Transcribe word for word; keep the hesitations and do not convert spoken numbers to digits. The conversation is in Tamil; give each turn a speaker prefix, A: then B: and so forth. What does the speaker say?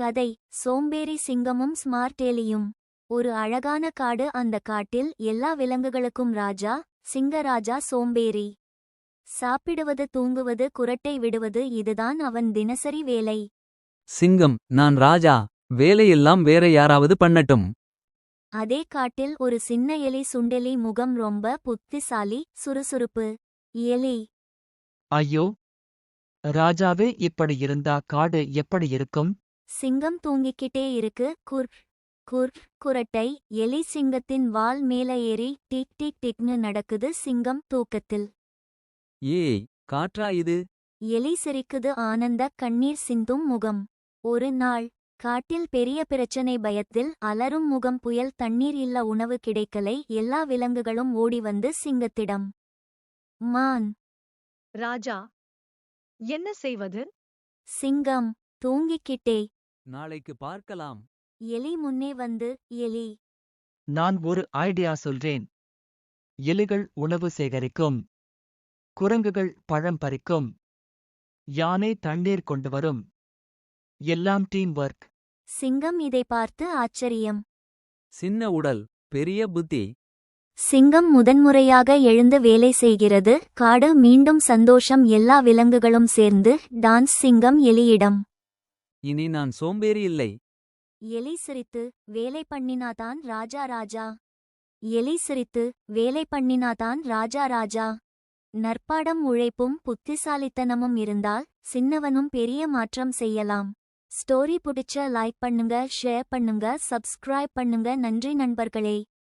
A: கதை சோம்பேறி சிங்கமும் ஸ்மார்ட் எலியும். ஒரு அழகான காடு. அந்த காட்டில் எல்லா விலங்குகளுக்கும் ராஜா. சிங்கராஜா சோம்பேறி. சாப்பிடுவது, தூங்குவது, குரட்டை விடுவது, இதுதான் அவன் தினசரி வேலை.
B: சிங்கம், நான் ராஜா. வேலையெல்லாம் வேற யாராவது பண்ணட்டும்.
A: அதே காட்டில் ஒரு சின்ன எலி சுண்டெலி. முகம் ரொம்ப புத்திசாலி, சுறுசுறுப்பு. எலி:
C: ஐயோ ராஜாவே, இப்படி இருந்தா காடு எப்படி இருக்கும்?
A: சிங்கம் தூங்கிக்கிட்டே இருக்கு. குர் குர் குரட்டை. எலி சிங்கத்தின் வால் மேல ஏறி டிக் டிக் டிக்னு நடக்குது. சிங்கம் தூக்கத்தில்.
B: ஏய், காற்றா இது?
A: எலி சிரிக்குது. ஆனந்த கண்ணீர் சிந்தும் முகம். ஒரு நாள் காட்டில் பெரிய பிரச்சனை. பயத்தில் அலறும் முகம். புயல், தண்ணீர் இல்ல, உணவு கிடைக்கலை. எல்லா விலங்குகளும் ஓடி வந்து சிங்கத்திடம். மான்:
D: ராஜா, என்ன செய்வது?
A: சிங்கம்: தூங்கிக்கிட்டே.
B: நாளைக்கு பார்க்கலாம்.
A: எலி முன்னே வந்து: எலி,
C: நான் ஒரு ஐடியா சொல்றேன். எலிகள் உணவு சேகரிக்கும், குரங்குகள் பழம் பறிக்கும், யானை தண்ணீர் கொண்டு வரும். எல்லாம் டீம் ஒர்க்.
A: சிங்கம் இதை பார்த்து ஆச்சரியம்.
B: சின்ன உடல், பெரிய புத்தி.
A: சிங்கம் முதன்முறையாக எழுந்து வேலை செய்கிறது. காடு மீண்டும் சந்தோஷம். எல்லா விலங்குகளும் சேர்ந்து டான்ஸ். சிங்கம் எலியிடம்:
B: இனி நான் சோம்பேறி இல்லை.
A: எலி சிரித்து: வேலை பண்ணினாதான் ராஜா ராஜா. எலி சிரித்து: வேலை பண்ணினாதான் ராஜா ராஜா. நற்பாடம். உழைப்பும் புத்திசாலித்தனமும் இருந்தால் சின்னவனும் பெரிய மாற்றம் செய்யலாம். ஸ்டோரி பிடிச்ச லைக் பண்ணுங்க, ஷேர் பண்ணுங்க, சப்ஸ்கிரைப் பண்ணுங்க. நன்றி நண்பர்களே.